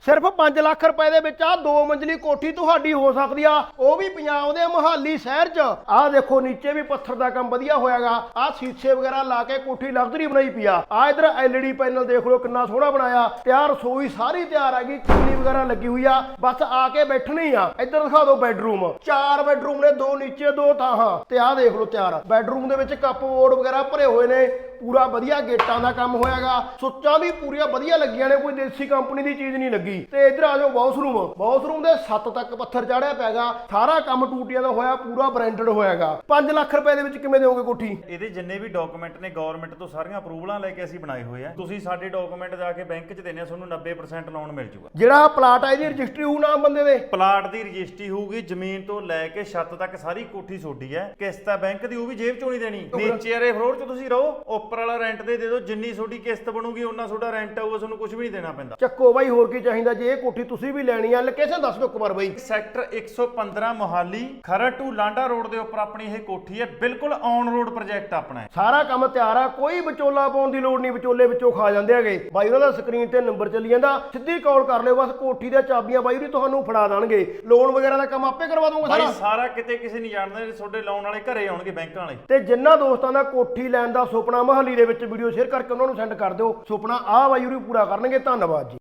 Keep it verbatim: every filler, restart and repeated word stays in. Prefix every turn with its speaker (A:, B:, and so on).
A: ਸਿਰਫ ਪੰਜ ਲੱਖ ਰੁਪਏ ਦੇ ਵਿੱਚ ਆ ਦੋ ਮੰਜ਼ਲੀ ਕੋਠੀ ਤੁਹਾਡੀ ਹੋ ਸਕਦੀ ਆ, ਉਹ ਵੀ ਪੰਜਾਬ ਦੇ ਮੁਹਾਲੀ ਸ਼ਹਿਰ 'ਚ। ਆਹ ਦੇਖੋ ਨੀਚੇ ਵੀ ਪੱਥਰ ਦਾ ਕੰਮ ਵਧੀਆ ਹੋਇਆਗਾ, ਆਹ ਸ਼ੀਸ਼ੇ ਵਗੈਰਾ ਲਾ ਕੇ ਕੋਠੀ ਲਗਜ਼ਰੀ ਬਣਾਈ ਪਈ ਆ। ਆਹ ਇਧਰ ਐਲਈਡੀ ਪੈਨਲ ਦੇਖ ਲਓ ਕਿੰਨਾ ਸੋਹਣਾ ਬਣਾਇਆ। ਤਿਆਰ ਰਸੋਈ ਸਾਰੀ ਤਿਆਰ ਹੈਗੀ, ਚਿਮਨੀ ਵਗੈਰਾ ਲੱਗੀ ਹੋਈ ਆ, ਬਸ ਆ ਕੇ ਬੈਠਣੀ ਆ। ਇੱਧਰ ਦਿਖਾ ਦਿਓ ਬੈਡਰੂਮ, ਚਾਰ ਬੈਡਰੂਮ ਨੇ, ਦੋ ਨੀਚੇ ਦੋ ਥਾਹਾਂ ਤੇ ਆਹ ਦੇਖ ਲਓ ਤਿਆਰ। ਬੈਡਰੂਮ ਦੇ ਵਿੱਚ ਕੱਪ ਬੋਰਡ ਵਗੈਰਾ ਭਰੇ ਹੋਏ ਨੇ, ਪੂਰਾ ਵਧੀਆ ਗੇਟਾਂ ਦਾ ਕੰਮ ਹੋਇਆਗਾ। ਸੁੱਚਾਂ ਵੀ ਪੂਰੀਆਂ ਵਧੀਆ ਲੱਗੀਆਂ ਨੇ, ਕੋਈ ਦੇਸੀ ਕੰਪਨੀ ਦੀ ਚੀਜ਼ ਨਹੀਂ ਲੱਗੀ। ਤੇ ਇੱਧਰ ਆ ਜਾਓ ਬਾਥਰੂਮ, ਬਾਥਰੂਮ ਦੇ ਸੱਤ ਤੱਕ ਪੱਥਰ ਚਾੜਿਆ ਪੈਗਾ, ਸਾਰਾ ਕੰਮ ਟੂਟੀਆਂ ਦਾ ਹੋਇਆ, ਪੂਰਾ ਬ੍ਰਾਂਡਡ ਹੋਇਆਗਾ। ਪੰਜ ਲੱਖ ਰੁਪਏ ਦੇ ਵਿੱਚ ਕਿਵੇਂ ਦਿਓਗੇ ਕੋਠੀ?
B: ਇਹਦੇ ਜਿੰਨੇ ਵੀ ਡਾਕੂਮੈਂਟ ਨੇ ਗਵਰਨਮੈਂਟ ਤੋਂ ਸਾਰੀਆਂ ਅਪਰੂਵਲਾਂ ਲੈ ਕੇ ਅਸੀਂ ਬਣਾਏ ਹੋਏ ਆ। ਤੁਸੀਂ ਸਾਡੇ ਡਾਕੂਮੈਂਟ ਜਾ ਕੇ ਬੈਂਕ 'ਚ ਦੇਣੇ ਆ, ਤੁਹਾਨੂੰ ਨੱਬੇ ਪਰਸੈਂਟ ਲੋਨ ਮਿਲ ਜੂਗਾ।
A: ਜਿਹੜਾ ਪਲਾਟ ਹੈ ਇਹਦੀ ਰਜਿਸਟਰੀ ਹੋਊ ਨਾਮ ਬੰਦੇ ਦੇ?
B: ਪਲਾਟ ਦੀ ਰਜਿਸਟਰੀ ਹੋਊਗੀ, ਜ਼ਮੀਨ ਤੋਂ ਲੈ ਕੇ ਛੱਤ ਤੱਕ ਸਾਰੀ ਕੋਠੀ ਛੋਡੀ ਹੈ। ਕਿਸ਼ਤ ਹੈ ਬੈਂਕ ਦੀ, ਉਹ ਵੀ ਜੇਬ ਚੋਂ ਨਹੀਂ ਦੇਣੀ। ਨੀਚੇ ਵਾਲੇ ਫਲੋਰ 'ਚ ਤੁਸੀਂ ਰਹੋ, ਉੱਪਰ ਵਾਲਾ ਰੈਂਟ ਦੇ ਦੇ ਦਿਓ। ਜਿੰਨੀ ਤੁਹਾਡੀ ਕਿਸ਼ਤ ਬਣੂਗੀ ਉਹਨਾਂ ਤੁਹਾਡਾ ਰੈਂਟ ਆਊਗਾ, ਤੁਹਾਨੂੰ ਕੁਝ ਵੀ ਨਹੀਂ ਦੇਣਾ ਪੈਂਦਾ।
A: ਚੱਕੋ ਬਾਈ, ਹੋਰ ਕੀ ਚਾਹੀਦਾ? ਜੇ ਇਹ ਕੋਠੀ ਤੁਸੀਂ ਵੀ ਲੈਣੀ ਆ, ਲੋਕੇਸ਼ਨ ਦੱਸ ਦਿਓ ਇੱਕ ਵਾਰ ਬਾਈ।
B: ਸੈਕਟਰ ਇੱਕ ਸੌ ਪੰਦਰਾਂ ਮੋਹਾਲੀ, ਖਰੜ ਟੂ ਲਾਂਡਾ ਰੋਡ ਦੇ ਉੱਪਰ ਆਪਣੀ ਇਹ ਕੋਠੀ ਹੈ। ਬਿਲਕੁਲ ਔਨ ਰੋਡ ਪ੍ਰੋਜੈਕਟ ਆਪਣਾ ਹੈ।
A: ਸਾਰਾ ਕੰਮ ਤਿਆਰ ਆ, ਕੋਈ ਵਿਚੋਲਾ ਪਾਉਣ ਦੀ ਲੋੜ ਨਹੀਂ, ਵਿਚੋਲੇ ਵਿੱਚੋਂ ਖਾ ਜਾਂਦੇ ਹੈਗੇ। ਬਾਈ ਉਹਨਾਂ ਦਾ ਸਕਰੀਨ ਤੇ ਨੰਬਰ ਚੱਲੀ ਜਾਂਦਾ, ਸਿੱਧੀ ਕਾਲ ਕਰ ਲਿਓ, ਬਸ ਕੋਠੀ ਦੀਆਂ ਚਾਬੀਆਂ ਬਾਈ ਵੀ ਤੁਹਾਨੂੰ ਫੜਾ ਦੇਣਗੇ। ਲੋਨ ਵਗੈਰਾ ਦਾ ਕੰਮ ਆਪੇ ਕਰਵਾ ਦੂੰਗਾ ਸਾਰਾ।
B: ਸਾਰਾ ਕਿਤੇ ਕਿਸੇ ਨਹੀਂ ਜਾਣਦਾ, ਤੁਹਾਡੇ ਲੋਨ ਵਾਲੇ ਘਰੇ ਆਉਣਗੇ, ਬੈਂਕਾਂ ਵਾਲੇ।
A: ਤੇ ਜਿੰਨਾ ਦੋਸਤਾਂ ਦਾ ਕੋਠੀ ਲੈਣ ਦਾ ਸੁਪਨਾ ਮੁਹਾਲੀ ਦੇ ਵਿੱਚ ਵੀਡੀਓ ਸ਼ੇਅਰ ਕਰਕੇ ਉਹਨਾਂ ਨੂੰ ਸੈਂਡ ਕਰ ਦਿਓ। ਸੁਪਨਾ ਆ ਬਾਈ ਵੀ ਪੂਰਾ ਕਰਨਗੇ। ਧੰਨਵਾਦ ਜੀ।